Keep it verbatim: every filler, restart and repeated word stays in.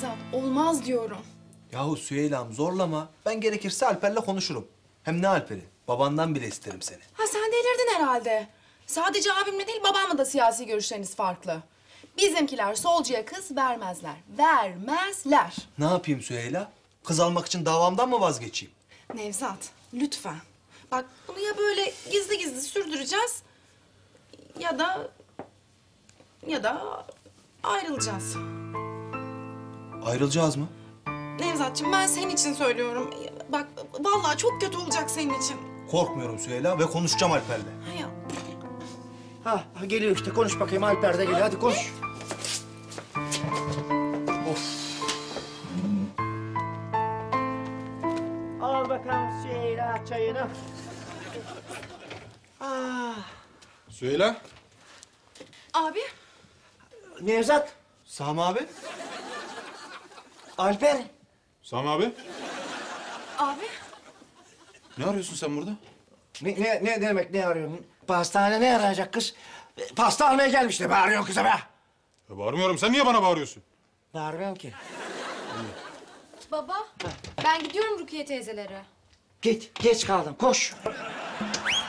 Nevzat, olmaz diyorum. Yahu Süheyla'm zorlama. Ben gerekirse Alper'le konuşurum. Hem ne Alper'i? Babandan bile isterim seni. Ha sen delirdin herhalde. Sadece abimle değil babamla da siyasi görüşleriniz farklı. Bizimkiler solcuya kız vermezler. Vermezler. Ne yapayım Süheyla? Kız almak için davamdan mı vazgeçeyim? Nevzat, lütfen. Bak bunu ya böyle gizli gizli sürdüreceğiz... ...ya da... ...ya da ayrılacağız. Ayrılacağız mı? Nevzatçığım ben senin için söylüyorum. Bak vallahi çok kötü olacak senin için. Korkmuyorum Süheyla ve konuşacağım Alper'le. Ya. Ha, ha, geliyor işte. Konuş bakayım. Alper de geliyor. Hadi konuş. Of. Al bakalım Süheyla çayını. Ah. Süheyla. Abi. Nevzat. Sami abi. Alper. Sami abi. Abi. Ne arıyorsun sen burada? Ne, ne, ne demek ne arıyorsun? Pastane ne arayacak kız? Pasta almaya gelmiş de bağırıyorsun kıza be. Ya bağırmıyorum. Sen niye bana bağırıyorsun? Bağırmıyorum ki. Baba, ben gidiyorum Rukiye teyzelere. Git, geç kaldım. Koş.